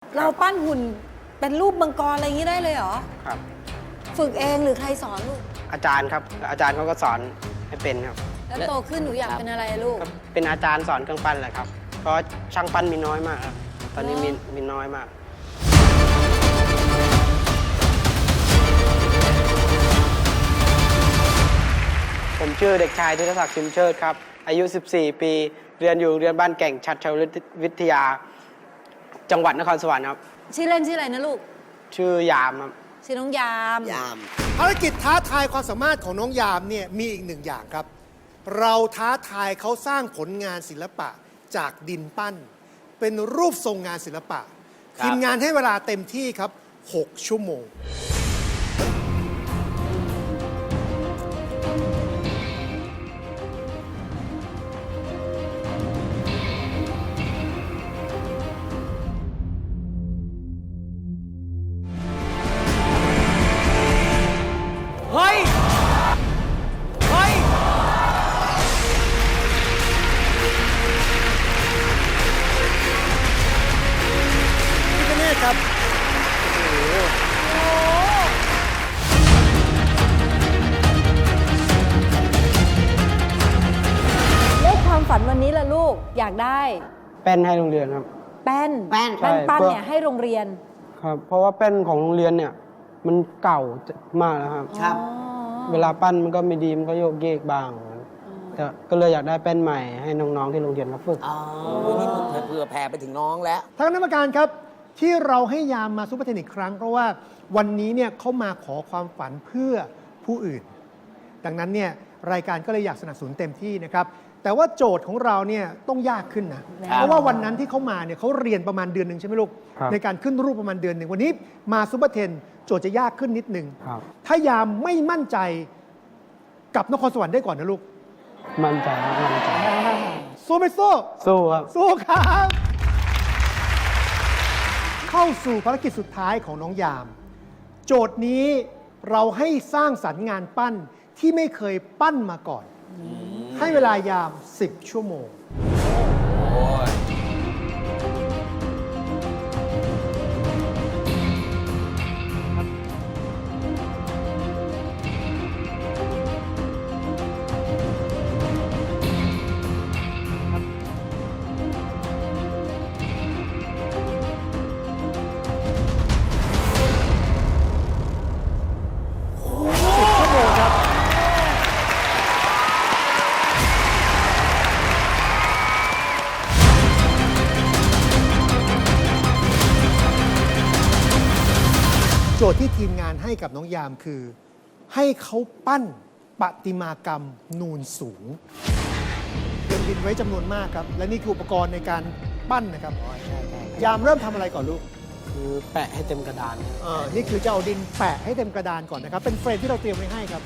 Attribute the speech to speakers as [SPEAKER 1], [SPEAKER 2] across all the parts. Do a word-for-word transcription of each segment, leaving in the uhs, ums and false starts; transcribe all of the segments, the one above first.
[SPEAKER 1] เราปั้นหุ่นเป็นรูปมังกรอะไรอย่างนี้ได้เลยเหรอ
[SPEAKER 2] ครับ
[SPEAKER 1] ฝึกเองหรือใครสอนลูก
[SPEAKER 2] อาจารย์ครับ อาจารย์เขาก็สอนให้เป็นครับ
[SPEAKER 1] แล้วโตขึ้นหนูอยากเป็นอะไรลูก
[SPEAKER 2] ก็เป็นอาจารย์สอนเครื่องปั้นแหละครับ เพราะช่างปั้นมีน้อยมากครับ ตอนนี้มีมีน้อยมาก ผมชื่อเด็กชายธีรศักดิ์ชิมเชิดครับ อายุ สิบสี่ ปี เรียนอยู่โรงเรียนบ้านแก่งชัดชาววิทยา จังหวัดนครสวรรค์ครับ
[SPEAKER 1] ชื่อเล่นชื่ออะไรนะลูก
[SPEAKER 2] ชื่อยามครับ
[SPEAKER 1] ชื่อน้องยาม
[SPEAKER 3] ยาม
[SPEAKER 4] ภารกิจท้าทายความสามารถของน้องยามเนี่ยมีอีกหนึ่งอย่างครับ เราท้าทายเขาสร้างผลงานศิลปะจากดินปั้น เป็นรูปทรงงานศิลปะ
[SPEAKER 3] ครับ
[SPEAKER 4] ทีมงานให้เวลาเต็มที่ครับ หก ชั่วโมง
[SPEAKER 3] เฮ้ย เฮ้ย
[SPEAKER 4] พี่กเนศครับ
[SPEAKER 1] เลขความฝันวันนี้ล่ะลูกอยากได้
[SPEAKER 2] แป้นให้โรงเรียนครับ
[SPEAKER 1] แป้น
[SPEAKER 3] แป้น
[SPEAKER 1] แป้นปั้น
[SPEAKER 2] ใช่
[SPEAKER 1] เนี่ยให้โรงเรียน
[SPEAKER 2] ครับ เพราะว่าแป้นของโรงเรียนเนี่ย มันเก่ามากแล้วครับ
[SPEAKER 3] ครับ
[SPEAKER 1] อ๋อ
[SPEAKER 2] เวลาปั้นมันก็ไม่ดีมันก็โยกเยกบ้างแต่ก็เลยอยากได้แป้นใหม่ให้น้องๆที่โรงเรียนมาฝึก
[SPEAKER 3] อ๋อนี่มันเผื่อแผ่ไปถึงน้องแล้ว
[SPEAKER 4] ทางคณะกรรมการครับที่เราให้ยามมาซูเปอร์เทนอีกครั้ง เพราะว่าวันนี้เนี่ยเขามาขอความฝันเพื่อผู้อื่น ดังนั้นเนี่ยรายการก็เลยอยากสนับสนุนเต็มที่นะครับ แต่ว่าโจทย์ของเราเนี่ยต้องยากขึ้นนะ
[SPEAKER 1] ครับ
[SPEAKER 4] เพราะว่าวันนั้นที่เขามาเนี่ยเขาเรียนประมาณเดือนหนึ่งใช่ไหมลูก
[SPEAKER 2] ครับ
[SPEAKER 4] ในการขึ้นรูปประมาณเดือนหนึ่งวันนี้มาซูเปอร์เทนโจทย์จะยากขึ้นนิดนึง
[SPEAKER 2] ครับ
[SPEAKER 4] ถ้ายามไม่มั่นใจกับนครสวรรค์ได้ก่อนนะลูก
[SPEAKER 2] มั่นใจครับมั่นใจ
[SPEAKER 4] สู้ไม่สู้
[SPEAKER 2] สู้ครับ
[SPEAKER 4] สู้ครับ เข้าสู่ภารกิจสุดท้ายของน้องยาม โจทย์นี้เราให้สร้างสรรค์งานปั้นที่ไม่เคยปั้นมาก่อน ให้เวลายาม สิบ ชั่วโมง สิบ ชั่วโมงครับ โจทย์ที่ทีมงานให้กับน้องยามคือ ให้เขาปั้นประติมากรรมนูนสูงเตรียมดินไว้จำนวนมากครับ และนี่คืออุปกรณ์ในการปั้นนะครับ ยามเริ่มทำอะไรก่อนลูก
[SPEAKER 2] คือแปะให้เต็มกระดานครับ
[SPEAKER 4] เออนี่คือจะเอาดินแปะให้เต็มกระดานก่อนนะครับ เป็นเฟรมที่เราเตรียมไว้ให้ครับ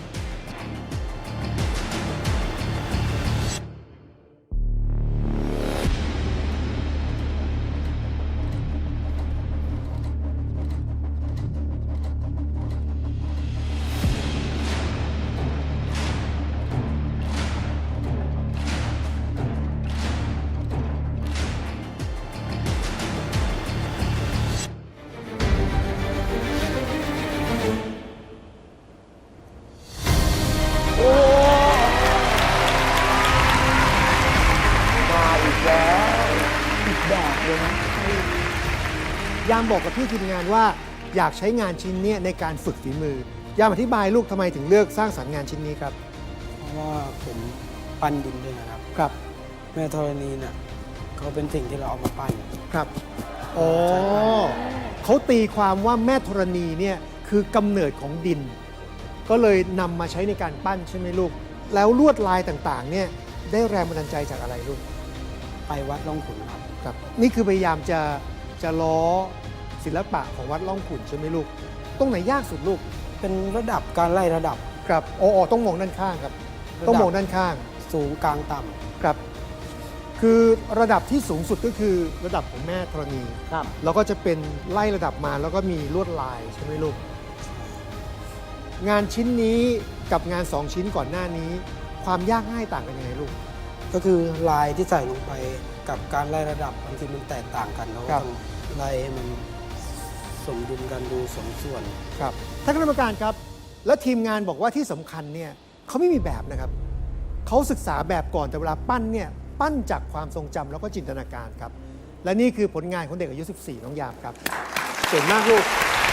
[SPEAKER 3] มาอีกแล้วอีกแบบเลยนะ
[SPEAKER 4] ยามบอกกับพี่ทีมงานว่าอยากใช้งานชิ้นเนี้ยในการฝึกฝีมือ ยามอธิบายลูกทำไมถึงเลือกสร้างสรรค์งานชิ้นนี้ครับ
[SPEAKER 2] เพราะว่าผมปั้นดินด้วยนะครับ
[SPEAKER 4] ครับ
[SPEAKER 2] แม่ธรณีเนี่ยเขาเป็นสิ่งที่เราเอามาปั้น
[SPEAKER 4] ครับอ๋อเขาตีความว่าแม่ธรณีเนี่ยคือกำเนิดของดิน ก็เลยนำมาใช้ในการปั้นใช่ไหมลูก แล้วลวดลายต่างๆเนี่ยได้แรงบันดาลใจจากอะไรลูก
[SPEAKER 2] ไปวัดร่องขุนครับ
[SPEAKER 4] ครับนี่คือพยายามจะจะล้อศิลปะของวัดล่องขุ่นใช่ไหมลูก ตรงไหนยากสุดลูก
[SPEAKER 2] เป็นระดับการไล่ระดับ
[SPEAKER 4] ครับอ๋ออ๋อต้องมองด้านข้างครับ ต้องมองด้านข้าง
[SPEAKER 2] สูงกลางต่ำ
[SPEAKER 4] ครับ คือระดับที่สูงสุดก็คือระดับของแม่ธรณี
[SPEAKER 3] ครับ
[SPEAKER 4] แล้วก็จะเป็นไล่ระดับมาแล้วก็มีลวดลายใช่ไหมลูก งานชิ้นนี้กับงานสองชิ้นก่อนหน้านี้ ความยากง่ายต่างกันยังไงลูก
[SPEAKER 2] ก็คือลายที่ใส่ลงไปกับการไล่ระดับบางทีมันแตกต่างกันเราก็
[SPEAKER 4] ครับ
[SPEAKER 2] ต้องไล่ให้มันสมดุลกันดูสมส่วน
[SPEAKER 4] ครับท่านคณะกรรมการครับ และทีมงานบอกว่าที่สำคัญเนี่ยเขาไม่มีแบบนะครับเขาศึกษาแบบก่อนแต่เวลาปั้นเนี่ยปั้นจากความทรงจำแล้วก็จินตนาการครับและนี่คือผลงานของเด็กอายุ สิบสี่ น้องยามครับเก่งมากลูก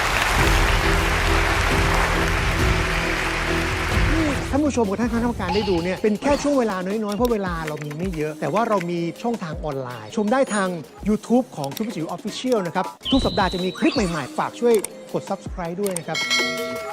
[SPEAKER 4] นี่ท่านผู้ชมกับท่านคณะกรรมการได้ดูเนี่ยเป็นแค่ช่วงเวลาน้อยๆเพราะเวลาเรามีไม่เยอะ แต่ว่าเรามีช่องทางออนไลน์ ชมได้ทาง YouTube ของทุกจิ๋วออฟฟิเชียลนะครับทุกสัปดาห์จะมีคลิปใหม่ๆฝากช่วยกด ซับสไครบ์ ด้วยนะครับ